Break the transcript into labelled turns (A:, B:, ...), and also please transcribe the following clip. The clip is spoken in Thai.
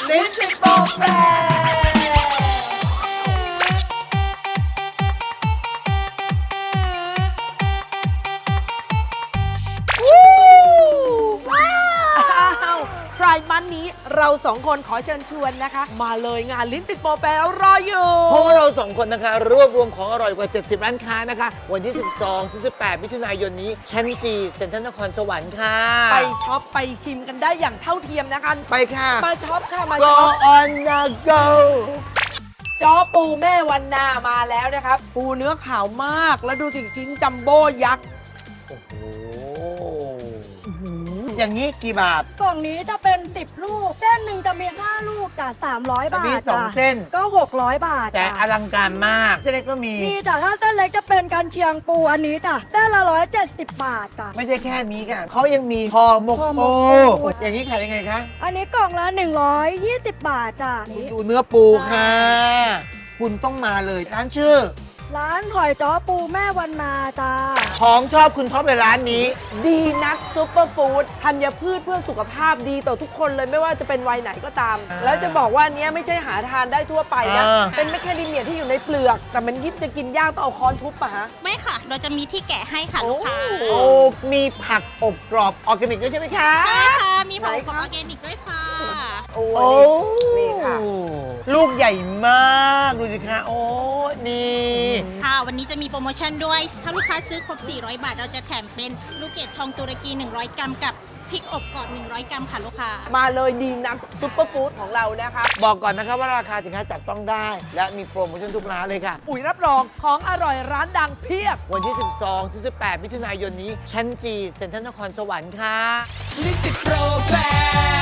A: ลิ้นติดโปรแฟไพรมันนี้เราสองคนขอเชิญชวนนะคะ มาเลยงานลิ้นติดโปรแฟรออยู่
B: เพราะว่าเราสองคนนะคะรวบรวมของอร่อยกว่า 70 ร้านค้านะคะ วันที่ 12 ถึง 18 มิถุนายนนี้ชั้นจีเซ็นทรัลนครสวรรค์ค่ะ
A: ไปช็อปไปชิมกันได้อย่างเท่าเทียมนะคะ
B: ไปค่ะ
A: มาช็อปค่ะ มา
B: Go
A: ช็อป
B: on the go
A: จ้อปูแม่วันนามาแล้วนะครับ ปูเนื้อขาวมาก แล้วดูสิชิ้นจัมโบ้ยักษ์
B: โอ้โห อย่างนี้กี่บาท
C: กล่องนี้จะเป็น 10 ลูก เส้นหนึ่งจะมี 5 ลูกจ้ะ300 บา
B: มี
C: ท
B: สอง
C: จ้ะ
B: เส้น
C: ก็ 600 บาท
B: แต่
C: จ้ะ
B: อลังการมาก เส้นเล็กก็มี
C: นี่จ้ะถ้าเส้นเล็กจะเป็นกันเชียงปูอันนี้จ้ะเส้นละ170 บาทจ้ะ
B: ไม่ใช่แค่นี้ค่ะเขายังมีห่อหมก
C: ห่อหม
B: ปู
C: กปู
B: อย่างนี้ขายยังไงคะ
C: อันนี้กล่องละ120 บาทจ้ะ
B: คุณดูเนื้อปูค่ะ คุณต้องมาเลยร้านชื่อ
C: ร้านหอยจ้อปูแม่วันนาจ้า
B: ของชอบคุณท็อปในร้านนี้
A: ดีนักซุปเปอร์ฟู้ดธัญพืชเพื่อสุขภาพดีต่อทุกคนเลยไม่ว่าจะเป็นวัยไหนก็ตาม แล้วจะบอกว่าอันเนี้ยไม่ใช่หาทานได้ทั่วไปนะ เป็นแมคแคเดเมียที่อยู่ในเปลือก แต่มันยิบจะกินยากต้องเอาค้อนทุบปะฮะ
D: ไม่ค่ะ เราจะมีที่แกะให้ค่ะ
A: โอ้
D: ลูกค้า
B: โอ้มีผักอบกรอบออร์แกนิกด้วยใช่ไหมคะ
D: ใช่ค่ะ มีผง
A: ไหน
D: ของ
A: คะ
D: ออร์แกนิกด้วยค่ะ
A: โอ้
B: โอ้
A: นี่ค่ะ
B: ลูกใหญ่มากดูสิคะโอ้นี่
D: ค่ะ วันนี้จะมีโปรโมชั่นด้วย ถ้าลูกค้าซื้อครบ 400 บาท เราจะแถมเป็นลูกเกดทองตุรกี 100 กรัมกับพริกอบกรอบ 100 กรัมค่ะลูกค้า
A: มาเลยดีนักซุปเปอร์ฟู้ดของเรานะคะ
B: บอกก่อนนะครับว่าราคาสินค้าจับต้องได้ และมีโปรโมชั่นทุกร้านเลยค่ะ
A: อุ๋ยรับรองของอร่อยร้านดังเพียบ
B: วันที่ 12 ถึง 18 มิถุนายนนี้ ชั้นจีเซ็นทรัลนครสวรรค์ค่ะ
A: ลิ้นติดโปรแฟ